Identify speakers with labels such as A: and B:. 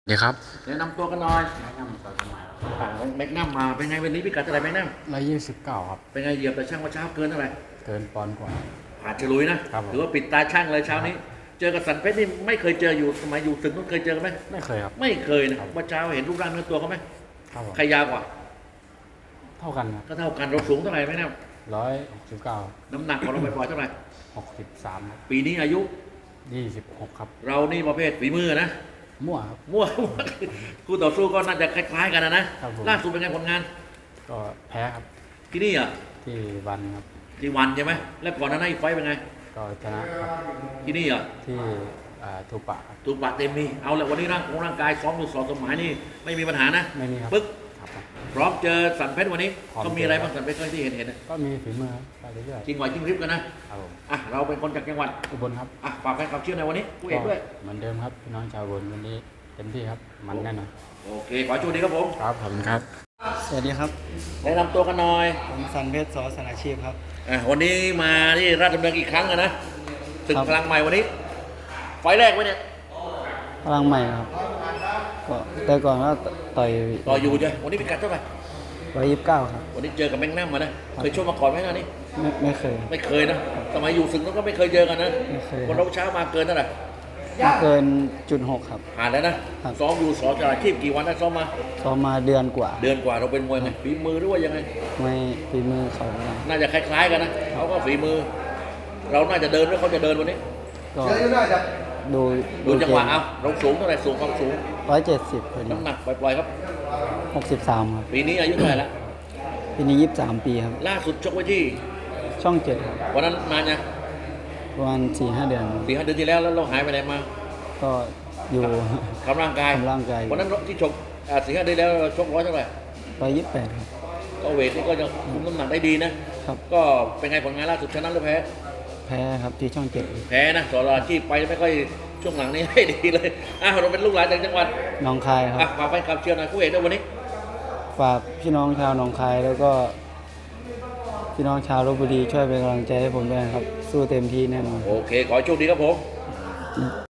A: ดีครับ
B: แนะนำตัวกันหน่อย
A: แนะนำตัวสมัย
B: แม็กนัมมาเป็นไงวันนี้พิกัดเท่าไหร่แม็กนัม
A: 129ครับ
B: เป็นไงเหยียบแต่ช่างว่าเช้าเกินเท่าไหร่
A: เกินปอนด์กว่า
B: ผ่านฉลุยนะครับ
A: ผม
B: หรือว่าปิดตาช่างเลยเช้านี้ เจอกับสันเพชรนี่ไม่เคยเจออยู่สมัยอยู่ศึกนู้นเคยเจอกันไหม
A: ไม่เคยครับ
B: ไม่เคยนะว่าเช้าเห็นรูปร่างเนื้อตัวเขาไหม
A: ครับผม
B: ใครยาวกว่า
A: เท่ากันครับ
B: ก็เท่ากันเราสูงเท่าไหร่แม็กนัม
A: 169
B: น้ำหนักของเราไปปล่อยๆเท่าไหร่
A: 63ครับ
B: ปีนี้อายุ
A: 26ครับ
B: เรานี่ประเภทฝีมือนะ
A: มั่วครับ
B: มั่วคู่ต่อสู้ก็น่าจะคล้ายๆกันนะครับ
A: ผม
B: ล่าสุดเป็นไงผลงาน
A: ก็แพ้ครับ
B: ที่นี่อ่ะ
A: ที่วันครับ
B: ที่วันใช่ไหมแล้วก่อนหน้านั้นอีกไฟต์เป็นไง
A: ก็ชนะครับ
B: ที่นี่อ่ะ
A: ที่ทูปะครับ
B: ถูกปะเต็มมีเอาละวันนี้ร่างกายซ้อมอยู่สองสมัยนี่ไม่มีปัญหานะ
A: ไม่มีครับ
B: ปึ๊ก
A: ครับผม
B: พร้อมเจอสันเพชรวันนี้
A: พร้อม
B: ก็มีอะไรบ้างสันเพชรที่เห็นนะ
A: ก็มีฝีมือครับไปเรื่อย
B: จริงไหวจริงพริบกันนะครับ
A: ผม
B: อ่ะเราเป็นคนจากจังหวัด
A: อุบลครับ
B: ฝากแฟนคลับเชื่อในวันนี้ผู้เอกด้วย
A: เหมือนเดิมครับพี่น้องชาวอุบลวันนี้เต็มที่ครับมันแน่นอน
B: โอเคขอโชคดีครับผม
A: ครับขอบคุณครับ
C: สวัสดีครับ
B: แนะนำตัวกันหน่อย
C: ผมสันเพชรสอสนาชีพครับ
B: วันนี้มาที่ราชดำเนินอีกครั้งนะศึกพลังใหม่วันนี้ไฟล์แรกไว้เนี่ย
C: พลังใหม่ครับก็แต่ก่อนก็ต่อย
B: อยู่ใช่วันนี้พิกัดเท่าไหร่
C: 129ครับ
B: วันนี้เจอกับแมงนัมมานะเคยชกมาก่อนไหมนะนี่
C: ไม่เคย
B: ไม่เคยนะสมัยอยู่ศึกนั้นก็ไม่เคยเจอกันนะ
C: ไม่เคย
B: คนเราเช้ามาเกินเท่าไหร่
C: ไม่เกิน.6ครับ
B: ผ่านแล้วนะครับ ซ้อมอยู่สอจราชีพกี่วันได้ซ้อมมา
C: ซ้อมมาเดือนกว่า
B: เราเป็นมวยไงฝีมือหรือว่ายังไง
C: ไม่ฝีมือเขานะ
B: น่าจะคล้ายๆกันนะเขาก็ฝีมือ เราน่าจะเดินหรือเขาจะเดินวันนี้
C: ก็ดู
B: ดูจังหวะเอาเราสูงเท่าไหร่สูงความสูง
C: 170พอดี
B: น้ำหนักปล่อยๆครับ
C: 63ครับ
B: ปีนี้อายุเท่าไหร่ละ
C: ปีนี้23ปีครับ
B: ล่าสุดชกไว้ที่
C: ช่อง7ครับ
B: วันนั้นนานยัง
C: ประมาณ 4-5 เดือน
B: 4-5 เดือนที่แล้วเราหายไปไหนมา
C: ก็อยู่
B: ทำร่างกายวันนั้นที่ชก4-5 เดือนแล้วชกร้อยเท่าไหร่
C: 128ครับ
B: ก็เวทนี่ก็จะคุมน้ำหนักได้ดีนะครับก็เป็นไงผลงานล่าสุดชนะหรือแพ้
C: ครับที่ช่อง7
B: แพ้นะสอราชีพไปไม่ค่อยช่วงหลังนี้ให้ดีเลยเราเป็นลูกหลานจากจังหวัด
C: หนองคายครับ
B: ฝากแฟนคลับเชียร์หน่อยคู่เอกด้วยวันนี้
C: ฝากพี่น้องชาวหนองคายแล้วก็พี่น้องชาวลพบุรีช่วยเป็นกำลังใจให้ผมด้วยครับสู้เต็มที่แน่นอน
B: โอเคขอให้โชคดีครับผม